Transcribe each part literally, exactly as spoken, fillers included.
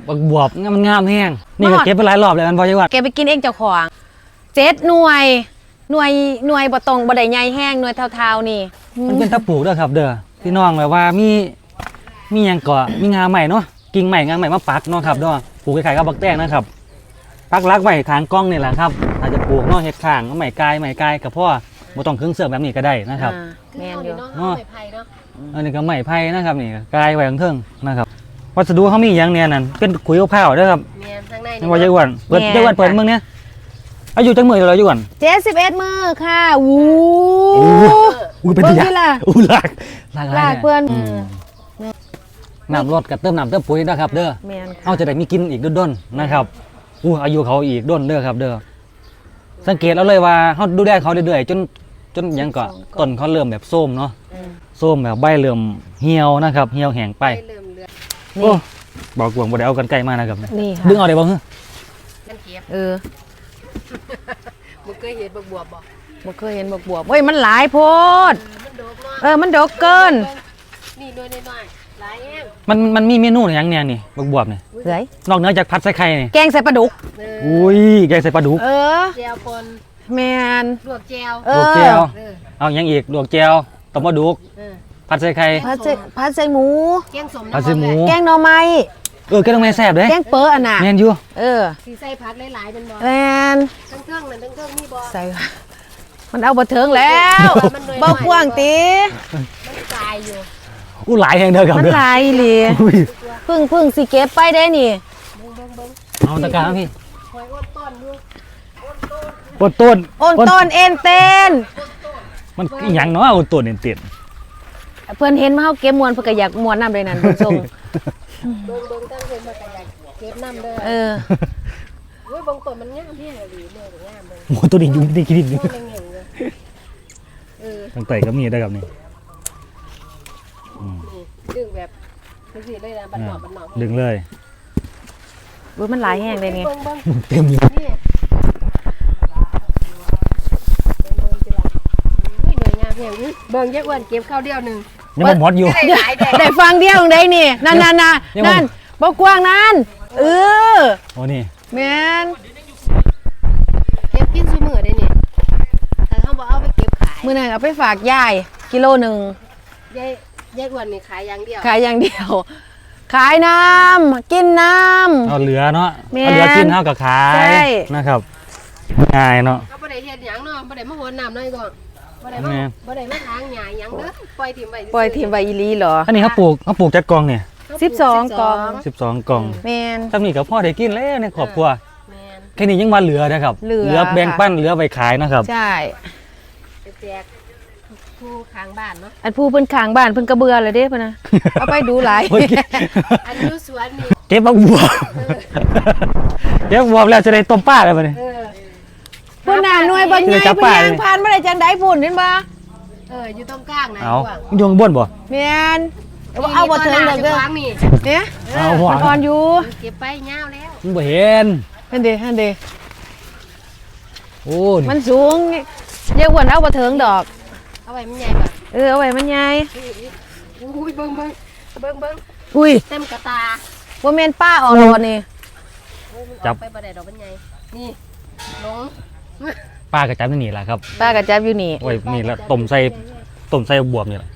บักบวบมันงามแห้งนี่ก็เก็บไปหลายรอบเลยมันพอจะว่าแกไปกินเองเจ้าของเจ็ดหน่วยหน่วยหน่วยบ่ตรงบ่ได้ใหญ่แห้งหน่วยเท่าๆนี่มันเป็นตะปลูกด้วยครับเด้อพี่น้องแบบว่ามีมีอย่างก่อมีงาใหม่เนาะกิ่งใหม่งาใหม่มาปักเนาะครับเนาะปลูกคล้ายๆกับบักแตงนะครับปักรักไว้ทางกล้องนี่แหละครับอาจจะปลูกเนาะเห็ดข้างใหม่กายใหม่กายกับพ่อบ่ต้องเครื่องเสือกแบบนี้ก็ได้นะครับแม่นอยู่เนาะไม้ไผ่เนาะอันนี้ก็ไม้ไผ่นะครับนี่กายไว้ข้างเทิงนะครับวัสดุเขามีอย่างเนี่ยนั่นเป็นขุยมะพร้าวด้วยครับแม่นข้างในนี่ว่าจะอ้วนเปิดจะอ้วนเปิดเมืองเนี้ยอายุจังมือเราอยู่ก่อนเจ็ดสิบเอ็ดมื้อค่ะวู้อู้เป็นยาอู้หลักหลักหลักเพื่อนน้ำรดกับเติมน้ำเติมปุ๋ยนะครับเด้อเอาจะได้มีกินอีกด้นๆนะครับอู้อายุเขาอีกด้นเด้อครับเด้อสังเกตเอาเลยว่าเขาดูแลเขาเรื่อยๆจนจนยังก็ต้นเขาเริ่มแบบส้มเนาะส้มแบบใบเริ่มเหี่ยวนะครับเหี่ยวแห้งไปโอ้บอกกวงบ่ได้เอากันไกลมานะครับดึงเอาได้บ่ฮะเออบ่เคยเห็นบักบวบบ่บ่เคยเห็นบักบวบเฮ้ยมันหลายโพดเออมันดกเกินนี่น้อยๆหลายแห้งมันมันมีเมนูอย่างเนี้ยนี่บักบวบนี่เฮ้ยนอกเหนือจากผัดใส่ไข่นี่แกงใส่ปลาดุกอุ้ยแกงใส่ปลาดุกเออแจ่วปนแม่นลวกแจ่วลวกแจ่วเอายังอีกลวกแจ่วต้มปลาดุกผัดใส่ไข่ผัดใส่ผัดใส่หมูแกงสมผัดใส่หมูแกงหน่อไม้เออแกงหน่อไม้แซ่บเด้แกงเป๋ออันน่ะแม่นอยู่เออสิใส่ผักหลายๆเป็นบ่แม่นทั้งเครื่องนั่นทั้งเครื่องนี่บ่ใส่มันเอาบ่ถึงแล้วบ่กว้างติมันตายอยู่อู้หลายแห่งเด้อครับมันหลายอีหลีพึ่งพึ่งสิเก็บไปได้นี่เอาตะการพี่หอยอ้นต้นอยู่อ้นต้นอ้นต้นเอ็นเต้นมันหยังเนาะอ้นต้นเอ็นเต้นเพื่อนเห็นมาเฮาเก็บมวนเพิ่นก็อยากมวนน้ำเลยนั่นเพิ่นส่งเบิ่งเบิ่งตั้งเพิ่นมาก็อยากเก็บน้ำเด้อเออโอ้ยบางต้นมันงามแท้เลยเด้องามเบิ่งโอ้ตัวนี้อยู่ที่กินอยู่เออตั้งแต่ก็มีได้ครับนี่ดึงแบบสิเลยนะบัดหนอกบัดหนอกดึงเลยอุ้ยมันหลายแห้งเลยนี่เต็มอยู่นี่หน่วยงานเพียงเบิ่งยักษ์อ้วนเก็บข้าวเดียวนึงยังบ่หมดอยู่ได้ฟังเดียวได้นี่นั่นๆๆนั่นบ่กว้างนั่นเออโอ้นี่แม่นเก็บกินซุมื้อได้นี่ถ้าเฮาบ่เอาไปเก็บขายมื้อนั้นเอาไปฝากยายกิโลนึงยายยายอ้วนนี่ขายอย่างเดียวขายอย่างเดียวขายน้ำกินน้ำเอาเหลือเนาะเอาเหลือกินเท่ากับขายนะครับง่ายเนาะก็บ่ได้เฮ็ดหยังเนาะบ่ได้มาโหนน้ำน้อยก่อนบ่ได้มาบ่ได้มาล้างหญ้าหยังเด้อปล่อยถิ่มไว้ปล่อยถิ่มไว้อีหลีเหรออันนี้เขาปลูกเขาปลูกจักกองเนี่ยสิบสองกองสิบสองกองแม่นถ้ามีกับพ่อได้กินแล้วในครอบครัวแม่นแค่นี้ยังมาเหลือนะครับเหลือแบ่งปั้นเหลือไปขายนะครับใช่แจกผู้ข้างบ้านเนาะอันผู้เพิ่นข้างบ้านเพิ่นก็เบื่อเลยเด้เพิ่นน่ะเอาไปดูหลายอันอยู่สวนนี่เก็บบักบัวเก็บบัวแล้วจะได้ต้มปลาได้บ่นี่พุ่นน่ะหน่วยบ่ใหญ่เพิ่นย่างผ่านบ่ได้จังได๋พุ่นเห็นบ่เอออยู่ตรงกลางนะเอาอยู่ข้างบนบ่แม่นเอาบ่ถึงดอกเด้อเนี่ยเอาหัวอ่อนอยู่เก็บไปยาวแล้วมันบ่เห็นนั่นเด้นั่นเด้โอ้มันสูงยายอ้วนเอาบ่ถึงดอกเอาไว้มันใหญ่ป่ะเออเอาไว้มันใหญ่อุ้ยเบิ่งเบิ่งเบิ่งเบิ่งอุ้ยเต็มกระตาบ่แม่นป้าออกรถนี่จับไปบ่ได้ดอกมันใหญ่นี่ลงป้าก็จับนี่แหละครับป้าก็จับอยู่นี่โอ้ยนี่ละต้มใส่ต้มใส่บวบนี่แหละ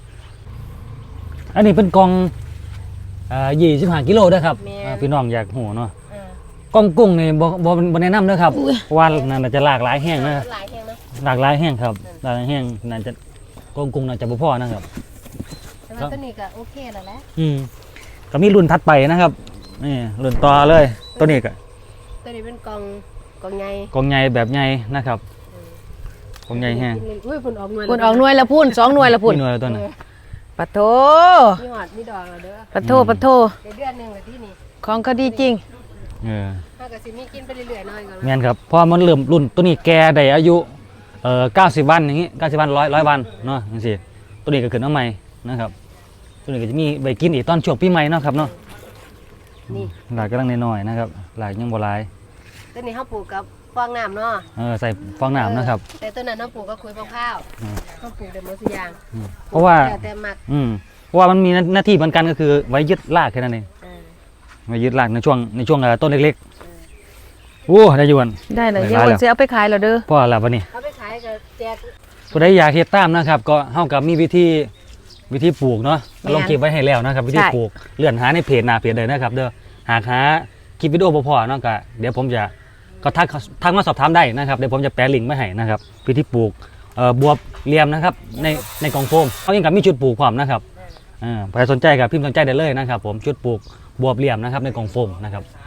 อันนี้เป็นกองอ่ายี่สิบห้ากิโลด้วยครับพี่น้องอยากหูเนาะกองกุ้งนี่บ่บ่บ่แนะนำนะครับว่านั่นจะหลากหลายแห้งนะหลายแห้งนะหลากหลายแห้งครับหลากหลายแห้งน่าจะกองกุ้งน่าจะบ่พอนะครับแต่ว่าตัวนี้ก็โอเคแล้วแหละอืมก็มีรุ่นถัดไปนะครับนี่รุ่นต่อเลยตัวนี้ก็ตัวนี้เป็นกองกองใหญ่กองใหญ่แบบใหญ่นะครับกองใหญ่แห้งอุ้ยพุ่นออกหน่วยพุ่นออกหน่วยละพุ่นสองหน่วยละพุ่นหน่วยละตัวนึงปะโถมีหอดมีดอกแล้วเด้อปะโถปะโถเดือนนึงเลยที่นี่ของก็ดีจริงเออถ้าก็สิมีกินไปเรื่อยๆหน่อยก่อนแม่นครับพอมันเริ่มรุ่นตัวนี้แก่ได้อายุเอ่อเก้าสิบวันอย่างงี้เก้าสิบวันร้อยร้อยวันเนาะจังซี่ตัวนี้ก็ขึ้นมาใหม่นะครับตัวนี้ก็จะมีใบกินอีกตอนช่วงปีใหม่เนาะครับเนาะนี่หลายกำลังน้อยๆนะครับหลายยังบ่หลายตัวนี้เฮาปลูกกับฟองน้ำเนาะเออใส่ฟองน้ำนะครับแต่ตัวนั้นเฮาปลูกกับขุยมะพร้าวเฮาปลูกได้หมดทุกอย่างเพราะว่าแต่มักอืมเพราะว่ามันมีหน้าที่เหมือนกันก็คือไว้ยึดรากแค่นั้นเองมายึดหลักในช่วงในช่วงเอ่อต้นเล็กๆโอ้ได้อยวนได้เลยได้เดี๋ยวหลายวันแล้วเสียเอาไปขายแล้วเด้อพ่อแล้ววันนี้เอาไปขายก็แจกผู้ใดอยากเฮ็ดตามนะครับ ก็เฮากับมีวิธีวิธีปลูกเนาะลงคลิปไว้ให้แล้วนะครับ วิธีปลูกเลื่อนหาในเพจหน้าเพจเลยนะครับ เด้อหากหาคลิปวิดีโอบ่พอเนาะก็เดี๋ยวผมจะก็ทักทักมาสอบถามได้นะครับเดี๋ยวผมจะแปะลิงก์ไว้ให้นะครับวิธีปลูกเอ่อบวบเหลี่ยมนะครับในในกล่องโฟมเขายังกับมีชุดปลูกพร้อมนะครับอ่าใครสนใจกับพิมพ์สนใจได้เลยนะครับ ผมชุดปลูกบวบเหลี่ยมนะครับในกล่องโฟมนะครับ